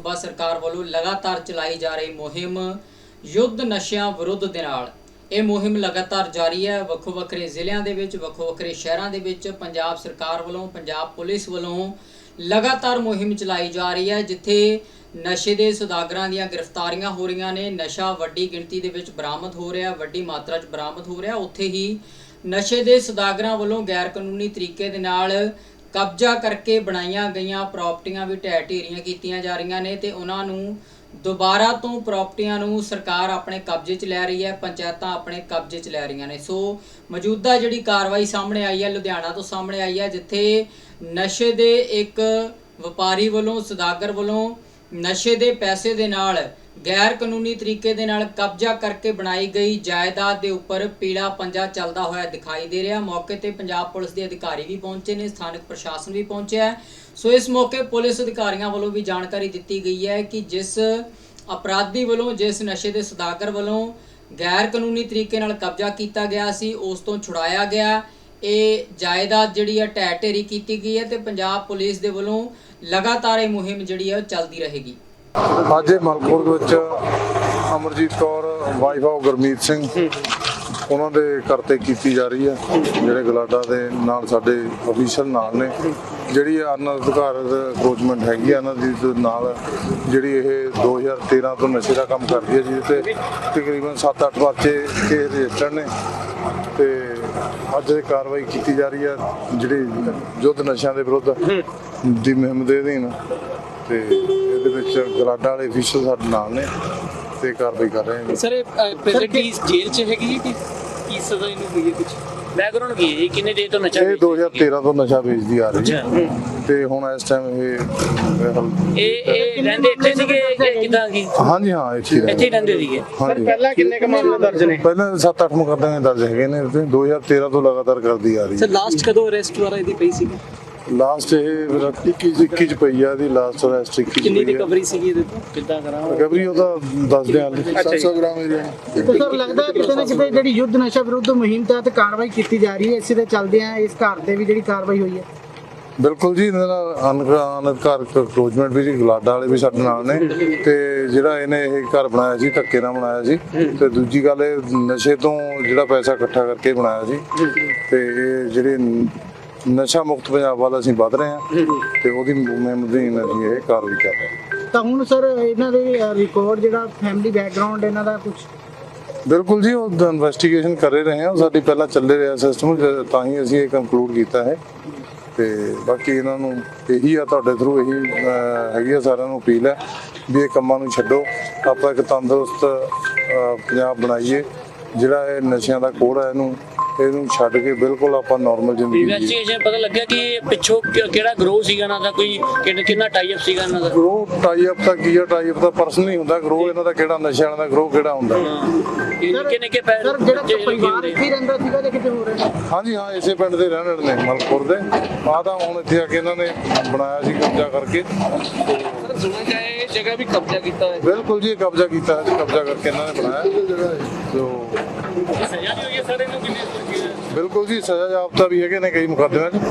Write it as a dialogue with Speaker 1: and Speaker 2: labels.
Speaker 1: सूबा सरकार वालों लगातार चलाई जा रही मुहिम युद्ध नशियां विरुद्ध दे नाल ਇਹ ਮੁਹਿੰਮ लगातार जारी है। ਵੱਖੋ ਵੱਖਰੇ ਜ਼ਿਲ੍ਹਿਆਂ ਦੇ ਵਿੱਚ ਵੱਖੋ ਵੱਖਰੇ ਸ਼ਹਿਰਾਂ ਦੇ ਵਿੱਚ ਪੰਜਾਬ ਸਰਕਾਰ ਵੱਲੋਂ ਪੰਜਾਬ ਪੁਲਿਸ ਵੱਲੋਂ लगातार मुहिम चलाई जा रही है, जिथे नशे के सौदागरां दीयां गिरफ्तारियां हो रही ने, नशा वड्डी गिणती दे विच बरामद हो रहा, वड्डी मात्रा च बरामद हो रहा। उत्थे ही नशे के सौदागरां वालों गैर कानूनी तरीके दे नाल कब्जा करके बनाईयां गईयां प्रॉपर्टियां भी ढਹਿ ਢੇਰੀਆਂ कीतियां जा रही ने ते उन्हां नूं दोबारा तो प्रॉपर्टियां नूं सरकार अपने कब्जे च लै रही है, पंचायतां अपने कब्जे च लै रही ने। सो मौजूदा जिहड़ी कार्रवाई सामने आई है लुधियाना तो सामने आई है, जिथे नशे दे एक व्यापारी वालों सौदागर वालों नशे दे पैसे दे नाल गैर कानूनी तरीके दे नाल कब्जा करके बनाई गई जायदाद के उपर पीला पंजा चलता होया दिखाई दे रहा। मौके ते पंजाब पुलिस के अधिकारी भी पहुंचे ने, स्थानक प्रशासन भी पहुंचा है। सो इस मौके पुलिस अधिकारियों वालों भी जानकारी दी गई है कि जिस अपराधी वालों जिस नशे के सौदागर वालों गैर कानूनी तरीके नाल कब्जा किया गया सी उस तो छुड़ाया गया। ये जायदाद जिहड़ी है ढਹਿ ਢੇਰੀ की गई है तो पंजाब पुलिस के वालों लगातार ये मुहिम जिहड़ी है चलती रहेगी।
Speaker 2: ਅੱਜ ਮਲਕਪੁਰ ਵਿੱਚ ਅਮਰਜੀਤ ਕੌਰ ਵਾਈਫ ਆਫ ਗੁਰਮੀਤ ਸਿੰਘ ਉਹਨਾਂ ਦੇ ਕਰਤੇ ਕੀਤੀ ਜਾ ਰਹੀ ਹੈ, ਜਿਹੜੇ ਗਲਾਡਾ ਦੇ ਨਾਲ ਸਾਡੇ ਅਫੀਸ਼ਲ ਨਾਲ ਨੇ। ਜਿਹੜੀ ਅਨਅਧਿਕਾਰਤ ਅਪਰੋਚਮੈਂਟ ਹੈਗੀ ਆ ਇਹਨਾਂ ਦੀ ਨਾਲ, ਜਿਹੜੀ ਇਹ 2013 ਤੋਂ ਨਸ਼ੇ ਦਾ ਕੰਮ ਕਰਦੀ ਹੈ, ਜਿਹਦੇ ਤੇ ਤਕਰੀਬਨ 7-8 ਬੱਚੇ ਕੇਸ ਰਜਿਸਟਰਡ ਨੇ ਤੇ ਅੱਜ ਇਹ ਕਾਰਵਾਈ ਕੀਤੀ ਜਾ ਰਹੀ ਹੈ ਜਿਹੜੀ ਯੁੱਧ ਨਸ਼ਿਆਂ ਦੇ ਵਿਰੁੱਧ ਦੀ ਮੁਹਿੰਮ ਦੇ ਅਧੀਨ। ਤੇ ਇਹਦੇ ਵਿੱਚ ਗਲਾਡਾ ਵਾਲੇ ਅਫੀਸ਼ਲ ਸਾਡੇ ਨਾਲ ਨੇ ਤੇ ਕਾਰਵਾਈ ਕਰ ਰਹੇ ਨੇ।
Speaker 3: ਸਰ ਪ੍ਰੈਜ਼ੈਂਟਲੀ ਜੇਲ੍ਹ 'ਚ ਹੈਗੀ ਹੈ ਕਿ ਸਜ਼ਾ ਇਹਨੂੰ ਹੋਈ ਹੈ? ਕੁਝ ਬੈਕਗ੍ਰਾਉਂਡ ਕੀ ਹੈ? ਕਿੰਨੇ ਦੇਰ ਤੋਂ ਨਸ਼ਾ
Speaker 2: ਇਹ 2013 ਤੋਂ ਨਸ਼ਾ ਵੇਚਦੀ ਆ ਰਹੀ ਹੈ ਤੇ ਹੁਣ ਇਸ ਟਾਈਮ ਇਹ
Speaker 3: ਰਹਿੰਦੇ ਇੱਥੇ ਸੀਗੇ ਕਿਦਾਂ ਕੀ?
Speaker 2: ਹਾਂਜੀ ਹਾਂ ਇੱਥੇ
Speaker 3: ਹੀ ਰਹਿੰਦੇ ਸੀਗੇ।
Speaker 2: ਹਾਂਜੀ
Speaker 3: ਪਹਿਲਾਂ ਕਿੰਨੇ ਕ ਮਾਮਲੇ ਦਰਜ ਨੇ?
Speaker 2: ਪਹਿਲਾਂ 7-8 ਮੁਕੱਦਮੇ ਦਰਜ ਹੈਗੇ ਨੇ ਤੇ 2013 ਤੋਂ ਲਗਾਤਾਰ ਕਰਦੀ ਆ ਰਹੀ ਹੈ।
Speaker 3: ਸਰ ਲਾਸਟ ਕਦੋਂ ਅਰੈਸਟ ਵਾਰਾ ਇਹਦੀ ਪਈ ਸੀਗੀ?
Speaker 2: ਲਾਸਟ ਇਹ 21 ਚ ਪਈ ਆ ਦੀ ਲਾਸਟ ਅਰੈਸਟ 21
Speaker 3: ਕਿੰਨੀ ਰਿਕਵਰੀ ਸੀਗੀ ਇਹਦੇ ਤੋਂ? ਕਿੱਦਾਂ ਕਰਾਂ
Speaker 2: ਰਿਕਵਰੀ ਉਹਦਾ ਦੱਸਦੇ ਆ 700 ਗ੍ਰਾਮ ਏਰੀਆ।
Speaker 4: ਤੇ ਸਰ ਲੱਗਦਾ ਕਿਤੇ ਨਾ ਕਿਤੇ ਜਿਹੜੀ ਯੁੱਧ ਨਸ਼ਾ ਵਿਰੁੱਧ ਮੁਹਿੰਮ ਤਹਿਤ ਕਾਰਵਾਈ ਕੀਤੀ ਜਾ ਰਹੀ ਹੈ, ਇਸੇ ਦੇ ਚੱਲਦਿਆਂ ਇਸ ਘਰ ਤੇ ਵੀ ਜਿਹੜੀ ਕਾਰਵਾਈ ਹੋਈ ਹੈ।
Speaker 2: ਬਿਲਕੁਲ ਜੀ, ਇਹਨਾਂ ਨਾਲ ਅਨਅਧਿਕਾਰਤ ਅਪਰੋਚਮੈਂਟ ਵੀ ਜੀ ਗਲਾਡਾ ਵਾਲੇ ਵੀ ਸਾਡੇ ਨਾਲ ਨੇ ਤੇ ਜਿਹੜਾ ਇਹਨੇ ਇਹ ਘਰ ਬਣਾਇਆ ਸੀ ਧੱਕੇ ਨਾਲ ਬਣਾਇਆ ਸੀ ਤੇ ਦੂਜੀ ਗੱਲ ਇਹ ਨਸ਼ੇ ਤੋਂ ਜਿਹੜਾ ਪੈਸਾ ਇਕੱਠਾ ਕਰਕੇ ਬਣਾਇਆ ਸੀ ਤੇ ਇਹ ਜਿਹੜੇ ਨਸ਼ਾ ਮੁਕਤ ਪੰਜਾਬ ਵੱਲ ਅਸੀਂ ਵੱਧ ਰਹੇ ਹਾਂ ਤੇ ਉਹਦੀ ਮੁਹਿੰਮ ਦੀ ਅਸੀਂ ਇਹ ਕਾਰਵਾਈ ਕਰ ਰਹੇ ਹਾਂ।
Speaker 4: ਤਾਂ ਹੁਣ ਸਰ ਇਹਨਾਂ ਦੇ ਰਿਕਾਰਡ ਜਿਹੜਾ ਫੈਮਿਲੀ ਬੈਕਗ੍ਰਾਉਂਡ ਇਹਨਾਂ ਦਾ ਕੁਝ?
Speaker 2: ਬਿਲਕੁਲ ਜੀ, ਉਹ ਇਨਵੈਸਟੀਗੇਸ਼ਨ ਕਰ ਰਹੇ ਹਾਂ। ਸਾਡੀ ਪਹਿਲਾਂ ਚੱਲੇ ਰਿਹਾ ਸਿਸਟਮ, ਤਾਂ ਹੀ ਅਸੀਂ ਇਹ ਕੰਕਲੂਡ ਕੀਤਾ ਹੈ ਤੇ ਬਾਕੀ ਇਹਨਾਂ ਨੂੰ ਇਹੀ ਆ ਤੁਹਾਡੇ ਥਰੂ ਇਹੀ ਹੈਗੀ ਆ ਸਾਰਿਆਂ ਨੂੰ ਅਪੀਲ ਹੈ ਵੀ ਇਹ ਕੰਮਾਂ ਨੂੰ ਛੱਡੋ, ਆਪਾਂ ਇੱਕ ਤੰਦਰੁਸਤ ਪੰਜਾਬ ਬਣਾਈਏ। ਜਿਹੜਾ ਇਹ ਨਸ਼ਿਆਂ ਦਾ ਕੋੜ ਹੈ ਇਹਨੂੰ ਛੱਡ ਕੇ ਬਿਲਕੁਲ ਆਪਾਂ ਨਾਰਮਲ ਜ਼ਿੰਦਗੀ ਜੀਏ।
Speaker 3: ਇਨਵੈਸਟੀਗੇਸ਼ਨ ਪਤਾ ਲੱਗਿਆ ਕਿ ਪਿੱਛੋਂ ਕਿਹੜਾ ਗਰੋਹ ਸੀਗਾ ਇਹਨਾਂ ਦਾ, ਕੋਈ ਕਿੰਨਾ ਟਾਈ ਅਪ ਸੀਗਾ ਇਹਨਾਂ ਦਾ?
Speaker 2: ਗਰੋਹ ਟਾਈ ਅਪ ਤਾਂ ਕੀ ਆ, ਟਾਈ ਅਪ ਤਾਂ ਪਰਸਨਲ ਹੀ ਹੁੰਦਾ। ਗਰੋਹ ਇਹਨਾਂ ਦਾ ਕਿਹੜਾ ਨਸ਼ਿਆਂ ਵਾਲਾ ਦਾ ਗਰੋਹ ਕਿਹੜਾ ਹੁੰਦਾ?
Speaker 3: ਕਿੰਨੇ ਕੇ ਪੈਸੇ?
Speaker 4: ਸਰ ਜਿਹੜਾ ਪਰਿਵਾਰ ਇੱਥੇ ਰਹਿੰਦਾ ਸੀਗਾ ਜਾਂ ਕਿਤੇ ਹੋਰ ਹੈ?
Speaker 2: ਹਾਂਜੀ ਹਾਂ, ਇਸੇ ਪਿੰਡ ਦੇ ਰਹਿਣ ਵਾਲੇ ਨੇ ਮਲਕਪੁਰ ਦੇ। ਆ ਤਾਂ ਹੁਣ ਇੱਥੇ ਆ ਕੇ ਇਹਨਾਂ ਨੇ ਬਣਾਇਆ ਸੀ ਕਬਜ਼ਾ ਕਰਕੇ।
Speaker 3: ਸਰ ਸੁਣਿਆ ਜਾਏ ਇਹ ਜਗ੍ਹਾ ਵੀ ਕਬਜ਼ਾ ਕੀਤਾ ਹੈ?
Speaker 2: ਬਿਲਕੁਲ ਜੀ, ਕਬਜ਼ਾ ਕੀਤਾ ਹੈ, ਕਬਜ਼ਾ ਕਰਕੇ ਇਹਨਾਂ ਨੇ ਬਣਾਇਆ। ਸੋ
Speaker 3: ਸਜ਼ਾ ਵੀ ਹੋਈ ਹੈ ਸਰ ਇਹਨੂੰ? ਕਿੰਨੇ?
Speaker 2: ਬਿਲਕੁਲ ਜੀ, ਸਜ਼ਾ ਜਾਬਤਾ ਵੀ ਹੈਗੇ ਨੇ ਕਈ ਮੁਕੱਦਮਿਆਂ 'ਚ।